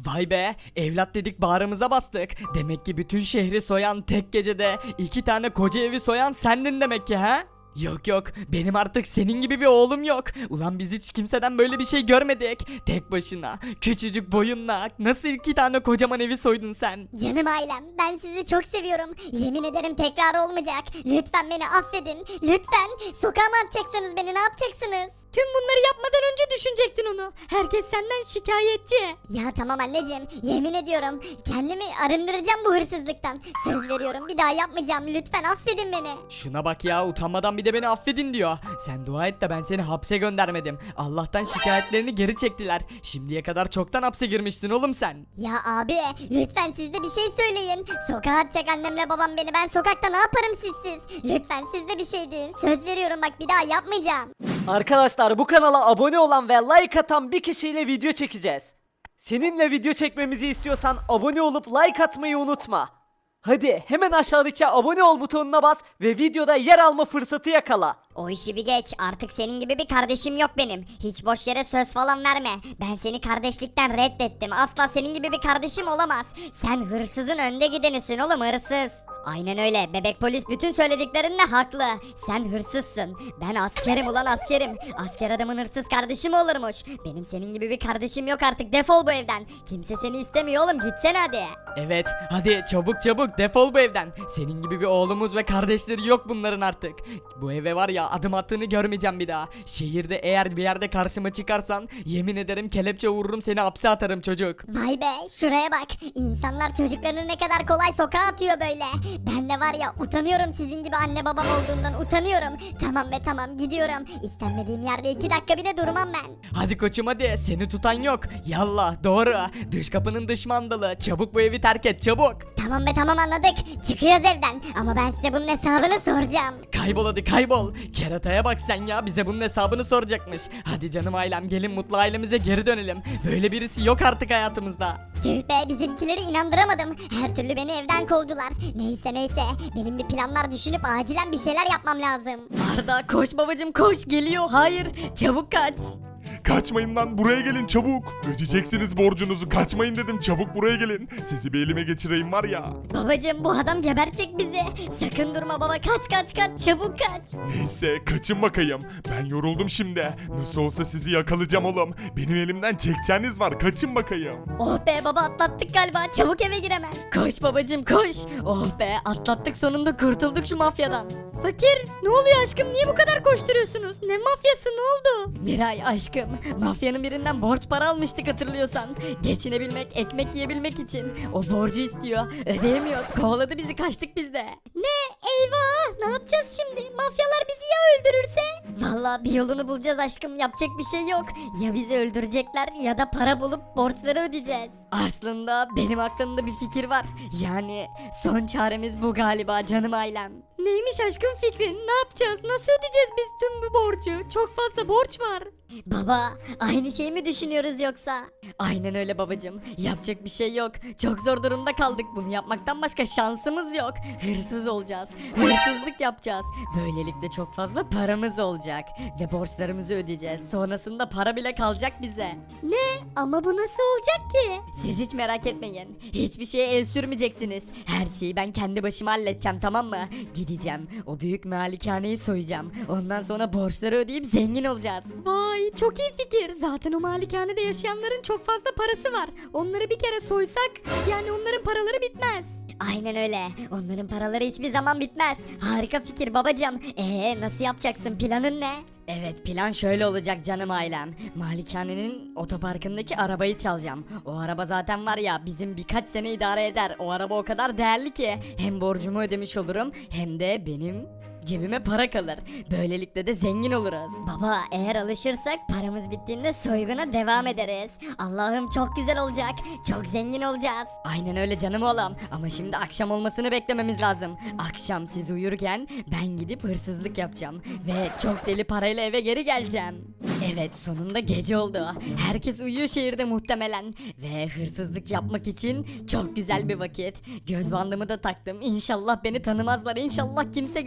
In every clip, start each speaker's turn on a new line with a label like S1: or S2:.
S1: Vay be, evlat dedik bağrımıza bastık. Demek ki bütün şehri soyan, tek gecede 2 tane koca evi soyan sendin demek ki, ha? Yok yok, benim artık senin gibi bir oğlum yok. Ulan biz hiç kimseden böyle bir şey görmedik. Tek başına küçücük boyunla nasıl 2 tane kocaman evi soydun sen?
S2: Canım ailem, ben sizi çok seviyorum. Yemin ederim tekrar olmayacak. Lütfen beni affedin. Lütfen. Sokağa mı atacaksınız beni, ne yapacaksınız?
S3: Tüm bunları yapmadan önce düşünecektin onu. Herkes senden şikayetçi.
S2: Ya tamam anneciğim, yemin ediyorum kendimi arındıracağım bu hırsızlıktan. Söz veriyorum, bir daha yapmayacağım. Lütfen affedin beni.
S1: Şuna bak ya, utanmadan bir de beni affedin diyor. Sen dua et de ben seni hapse göndermedim. Allah'tan şikayetlerini geri çektiler. Şimdiye kadar çoktan hapse girmiştin oğlum sen.
S2: Ya abi, lütfen siz de bir şey söyleyin. Sokağa atacak annemle babam beni. Ben sokakta ne yaparım sizsiz? Lütfen siz de bir şey deyin. Söz veriyorum, bak bir daha yapmayacağım.
S4: Arkadaşlar, bu kanala abone olan ve like atan bir kişiyle video çekeceğiz. Seninle video çekmemizi istiyorsan abone olup like atmayı unutma. Hadi hemen aşağıdaki abone ol butonuna bas ve videoda yer alma fırsatı yakala.
S2: O işi bir geç. Artık senin gibi bir kardeşim yok benim. Hiç boş yere söz falan verme. Ben seni kardeşlikten reddettim. Asla senin gibi bir kardeşim olamaz. Sen hırsızın önde gidenisin oğlum, hırsız. Aynen öyle. Bebek polis bütün söylediklerinde haklı. Sen hırsızsın. Ben askerim ulan, askerim. Asker adamın hırsız kardeşi mi olurmuş? Benim senin gibi bir kardeşim yok artık. Defol bu evden. Kimse seni istemiyor oğlum. Gitsene hadi.
S1: Evet, hadi çabuk çabuk defol bu evden. Senin gibi bir oğlumuz ve kardeşleri yok bunların artık. Bu eve var ya, adım attığını görmeyeceğim bir daha. Şehirde eğer bir yerde karşıma çıkarsan yemin ederim kelepçe vururum, seni hapse atarım çocuk.
S2: Vay be, şuraya bak. İnsanlar çocuklarını ne kadar kolay sokağa atıyor böyle. Ben de var ya, utanıyorum sizin gibi anne babam olduğumdan, utanıyorum. Tamam be tamam, gidiyorum. İstenmediğim yerde 2 dakika bile durmam ben.
S1: Hadi koçum hadi, seni tutan yok. Yallah doğru. Dış kapının dış mandalı. Çabuk bu evi terk et çabuk.
S2: Tamam be tamam, anladık. Çıkıyoruz evden. Ama ben size bunun hesabını soracağım.
S1: Kaybol hadi kaybol. Kerataya bak sen ya, bize bunun hesabını soracakmış. Hadi canım ailem, gelin mutlu ailemize geri dönelim. Böyle birisi yok artık hayatımızda.
S2: Tüh be, bizimkileri inandıramadım. Her türlü beni evden kovdular. Neyse neyse, benim bir planlar düşünüp acilen bir şeyler yapmam lazım.
S3: Arda koş babacım koş, geliyor. Hayır, çabuk kaç.
S5: Kaçmayın lan, buraya gelin çabuk. Ödeyeceksiniz borcunuzu, kaçmayın dedim, çabuk buraya gelin. Sizi bir elime geçireyim var ya.
S3: Babacım bu adam gebertecek bizi. Sakın durma baba, kaç çabuk kaç.
S5: Neyse kaçın bakayım. Ben yoruldum şimdi. Nasıl olsa sizi yakalayacağım oğlum. Benim elimden çekeceğiniz var, kaçın bakayım.
S3: Oh be baba, atlattık galiba, çabuk eve gir hemen. Koş babacım koş. Oh be, atlattık sonunda, kurtulduk şu mafyadan. Fakir, ne oluyor aşkım, niye bu kadar koşturuyorsunuz? Ne mafyası, ne oldu? Miray aşkım, mafyanın birinden borç para almıştık hatırlıyorsan. Geçinebilmek, ekmek yiyebilmek için. O borcu istiyor, ödeyemiyoruz, kovaladı bizi, kaçtık biz de. Ne? Eyvah, ne yapacağız şimdi? Mafyalar bizi ya öldürürse? Vallahi bir yolunu bulacağız aşkım, yapacak bir şey yok. Ya bizi öldürecekler ya da para bulup borçları ödeyeceğiz. Aslında benim aklımda bir fikir var. Yani son çaremiz bu galiba canım ailem. Neymiş aşkım fikrin? Ne yapacağız? Nasıl ödeyeceğiz biz tüm bu borcu? Çok fazla borç var. Baba, aynı şeyi mi düşünüyoruz yoksa? Aynen öyle babacığım. Yapacak bir şey yok. Çok zor durumda kaldık. Bunu yapmaktan başka şansımız yok. Hırsız olacağız. Hırsızlık yapacağız. Böylelikle çok fazla paramız olacak. Ve borçlarımızı ödeyeceğiz. Sonrasında para bile kalacak bize. Ne? Ama bu nasıl olacak ki? Siz hiç merak etmeyin. Hiçbir şeye el sürmeyeceksiniz. Her şeyi ben kendi başıma halledeceğim, tamam mı? Gideceğim. O büyük malikaneyi soyacağım. Ondan sonra borçları ödeyip zengin olacağız. Vay, çok iyi fikir. Zaten o malikanede yaşayanların çok fazla parası var. Onları bir kere soysak yani onların paraları bitmez. Aynen öyle. Onların paraları hiçbir zaman bitmez. Harika fikir babacığım. Nasıl yapacaksın? Planın ne? Evet, plan şöyle olacak canım ailem. Malikanenin otoparkındaki arabayı çalacağım. O araba zaten var ya, bizim birkaç sene idare eder. O araba o kadar değerli ki hem borcumu ödemiş olurum hem de benim cebime para kalır. Böylelikle de zengin oluruz. Baba, eğer alışırsak paramız bittiğinde soyguna devam ederiz. Allah'ım çok güzel olacak. Çok zengin olacağız. Aynen öyle canım oğlum. Ama şimdi akşam olmasını beklememiz lazım. Akşam siz uyurken ben gidip hırsızlık yapacağım. Ve çok deli parayla eve geri geleceğim. Evet, sonunda gece oldu. Herkes uyuyor şehirde muhtemelen. Ve hırsızlık yapmak için çok güzel bir vakit. Göz bandımı da taktım. İnşallah beni tanımazlar. İnşallah kimse görmez beni.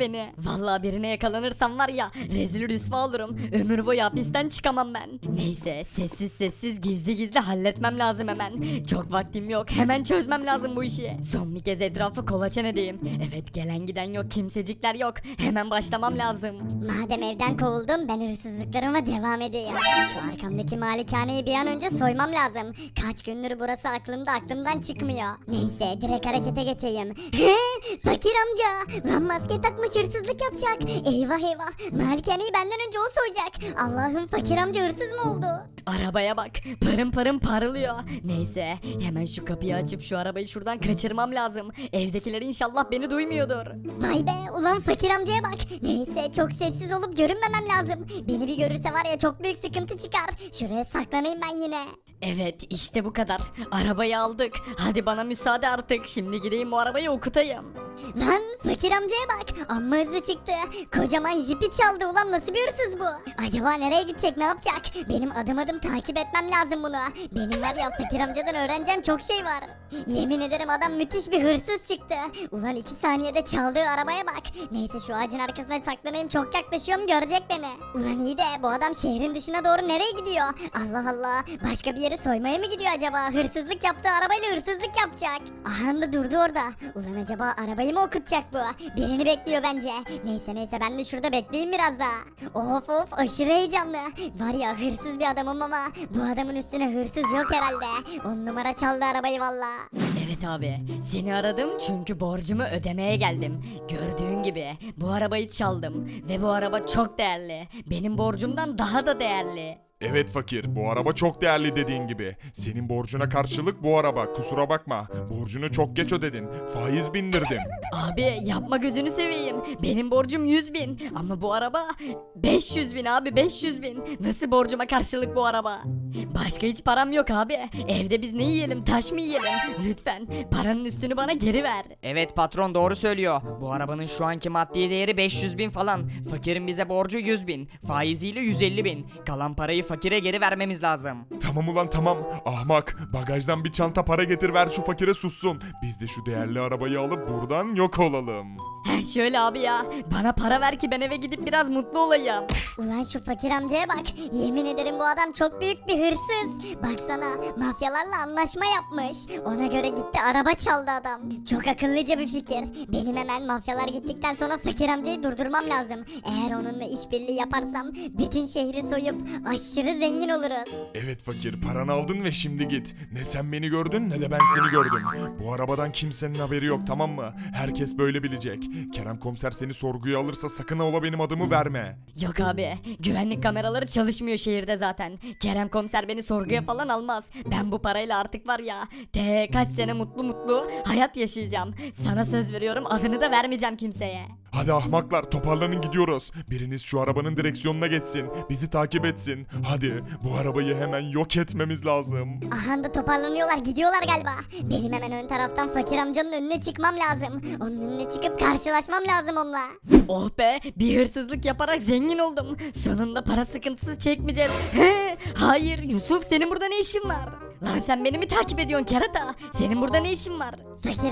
S3: beni. Vallahi birine yakalanırsam var ya rezil rüsva olurum. Ömür boyu hapisten çıkamam ben. Neyse sessiz sessiz gizli gizli halletmem lazım hemen. Çok vaktim yok. Hemen çözmem lazım bu işi. Son bir kez etrafı kolaçan edeyim. Evet gelen giden yok. Kimsecikler yok. Hemen başlamam lazım.
S2: Madem evden kovuldum ben hırsızlıklarıma devam edeyim. Şu arkamdaki malikaneyi bir an önce soymam lazım. Kaç gündür burası aklımdan çıkmıyor. Neyse direkt harekete geçeyim. Fakir amca. Lan maske takmış hırsızlık yapacak. Eyvah eyvah. Malikaneyi benden önce o soyacak. Allah'ım fakir amca hırsız mı oldu?
S3: Arabaya bak. Parım parım parlıyor. Neyse hemen şu kapıyı açıp şu arabayı şuradan kaçırmam lazım. Evdekiler inşallah beni duymuyordur.
S2: Vay be ulan fakir amcaya bak. Neyse çok sessiz olup görünmemem lazım. Beni bir görürse var ya çok büyük sıkıntı çıkar. Şuraya saklanayım ben yine.
S3: Evet işte bu kadar. Arabayı aldık. Hadi bana müsaade artık. Şimdi gideyim bu arabayı okutayım.
S2: Lan fakir amcaya bak. Amma hızlı çıktı. Kocaman jipi çaldı ulan nasıl bir hırsız bu? Acaba nereye gidecek ne yapacak? Benim adım adım takip etmem lazım bunu. Benim var ya fakir amcadan öğreneceğim çok şey var. Yemin ederim adam müthiş bir hırsız çıktı. Ulan 2 saniyede çaldığı arabaya bak. Neyse şu ağacın arkasına saklanayım çok yaklaşıyorum görecek beni. Ulan iyi de bu adam şehrin dışına doğru nereye gidiyor? Allah Allah başka bir yere soymaya mı gidiyor acaba? Hırsızlık yaptığı arabayla hırsızlık yapacak. Aha da durdu orada. Ulan acaba arabayı mı okutacak bu? Birini bekliyor bence. Neyse ben de şurada bekleyeyim biraz daha. Of aşırı heyecanlı. Var ya hırsız bir adamım ama bu adamın üstüne hırsız yok herhalde. 10 numara çaldı arabayı valla.
S3: Evet abi. Seni aradım çünkü borcumu ödemeye geldim. Gördüğün gibi bu arabayı çaldım. Ve bu araba çok değerli. Benim borcumdan daha da değerli.
S5: Evet fakir, bu araba çok değerli dediğin gibi. Senin borcuna karşılık bu araba, kusura bakma. Borcunu çok geç ödedin, faiz bindirdim.
S3: Abi yapma gözünü seveyim. Benim borcum 100.000 ama bu araba 500.000 abi 500.000. Nasıl borcuma karşılık bu araba? Başka hiç param yok abi. Evde biz ne yiyelim taş mı yiyelim? Lütfen paranın üstünü bana geri ver.
S1: Evet patron doğru söylüyor. Bu arabanın şu anki maddi değeri 500.000 falan. Fakirin bize borcu 100.000. Faiziyle 150.000. Kalan parayı fakire geri vermemiz lazım.
S5: Tamam ulan tamam, ahmak. Bagajdan bir çanta para getir ver şu fakire sussun. Biz de şu değerli arabayı alıp buradan yok olalım.
S3: Heh, şöyle abi ya. Bana para ver ki ben eve gidip biraz mutlu olayım.
S2: Ulan şu fakir amcaya bak. Yemin ederim bu adam çok büyük bir hırsız. Baksana mafyalarla anlaşma yapmış. Ona göre gitti araba çaldı adam. Çok akıllıca bir fikir. Benim hemen mafyalar gittikten sonra fakir amcayı durdurmam lazım. Eğer onunla işbirliği yaparsam bütün şehri soyup aşırı zengin oluruz.
S5: Evet fakir, paranı aldın ve şimdi git. Ne sen beni gördün ne de ben seni gördüm. Bu arabadan kimsenin haberi yok, tamam mı? Herkes böyle bilecek. Kerem komiser seni sorguya alırsa sakın ola benim adımı verme.
S3: Yok abi. Güvenlik kameraları çalışmıyor şehirde zaten. Kerem komiser beni sorguya falan almaz. Ben bu parayla artık var ya kaç sene mutlu hayat yaşayacağım. Sana söz veriyorum adını da vermeyeceğim kimseye.
S5: Hadi ahmaklar, toparlanın gidiyoruz. Biriniz şu arabanın direksiyonuna geçsin. Bizi takip etsin. Hadi bu arabayı hemen yok etmemiz lazım.
S2: Aha da toparlanıyorlar gidiyorlar galiba. Benim hemen ön taraftan fakir amcanın önüne çıkmam lazım. Onun önüne çıkıp karşılaşmam lazım onunla.
S3: Oh be bir hırsızlık yaparak zengin oldum. Sonunda para sıkıntısı çekmeyeceğiz. He, hayır Yusuf senin burada ne işin var? Lan sen beni mi takip ediyorsun kerata? Senin burada ne işin var?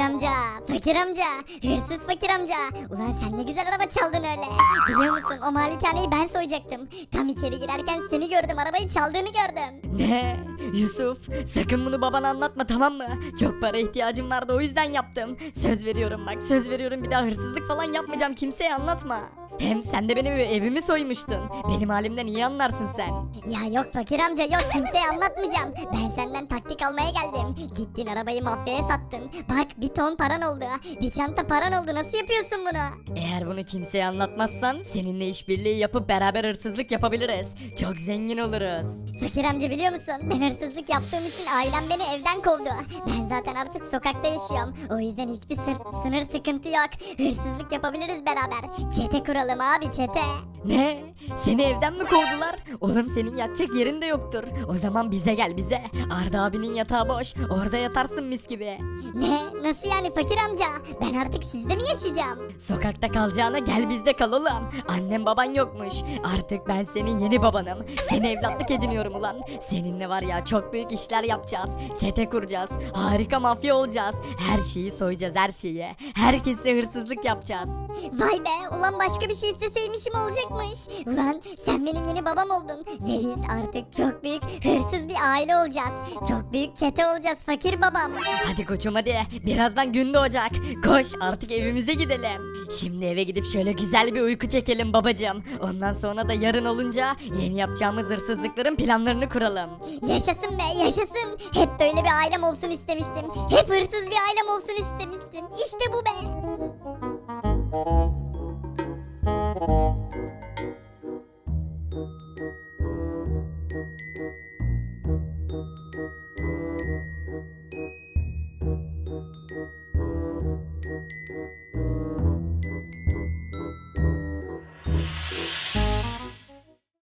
S2: Fakir amca, hırsız fakir amca. Ulan sen ne güzel araba çaldın öyle. Biliyor musun o malikaneyi ben soyacaktım. Tam içeri girerken seni gördüm, arabayı çaldığını gördüm.
S3: Ne? Yusuf sakın bunu babana anlatma tamam mı? Çok para ihtiyacım vardı o yüzden yaptım. Söz veriyorum bak söz veriyorum bir daha hırsızlık falan yapmayacağım kimseye anlatma. Hem sen de benim evimi soymuştun. Benim halimden iyi anlarsın sen.
S2: Ya yok fakir amca yok, kimseye anlatmayacağım. Ben senden taktik almaya geldim. Gittin arabayı mafyaya sattın. Bak bir ton paran oldu. Bir çanta paran oldu, nasıl yapıyorsun bunu?
S3: Eğer bunu kimseye anlatmazsan seninle işbirliği yapıp beraber hırsızlık yapabiliriz. Çok zengin oluruz.
S2: Fakir amca biliyor musun? Ben hırsızlık yaptığım için ailem beni evden kovdu. Ben zaten artık sokakta yaşıyorum. O yüzden hiçbir sınır sıkıntı yok. Hırsızlık yapabiliriz beraber. Çete kuralım. kuralım abi çete.
S3: Ne? Seni evden mi kovdular? Oğlum senin yatacak yerin de yoktur. O zaman bize gel bize. Arda abinin yatağı boş. Orada yatarsın mis gibi.
S2: Ne? Nasıl yani fakir amca? Ben artık sizde mi yaşayacağım?
S3: Sokakta kalacağına gel bizde kal oğlum. Annem baban yokmuş. Artık ben senin yeni babanım. Seni evlatlık ediniyorum ulan. Seninle var ya çok büyük işler yapacağız. Çete kuracağız. Harika mafya olacağız. Her şeyi soyacağız her şeyi. Herkese hırsızlık yapacağız.
S2: Vay be ulan başka bir şey isteseymişim olacakmış. Ulan sen benim yeni babam oldun. Ve biz artık çok büyük hırsız bir aile olacağız. Çok büyük çete olacağız fakir babam.
S3: Hadi koçum hadi. Birazdan gün doğacak. Koş artık evimize gidelim. Şimdi eve gidip şöyle güzel bir uyku çekelim babacığım. Ondan sonra da yarın olunca yeni yapacağımız hırsızlıkların planlarını kuralım.
S2: Yaşasın be yaşasın. Hep böyle bir ailem olsun istemiştim. Hep hırsız bir ailem olsun istemiştim. İşte bu be.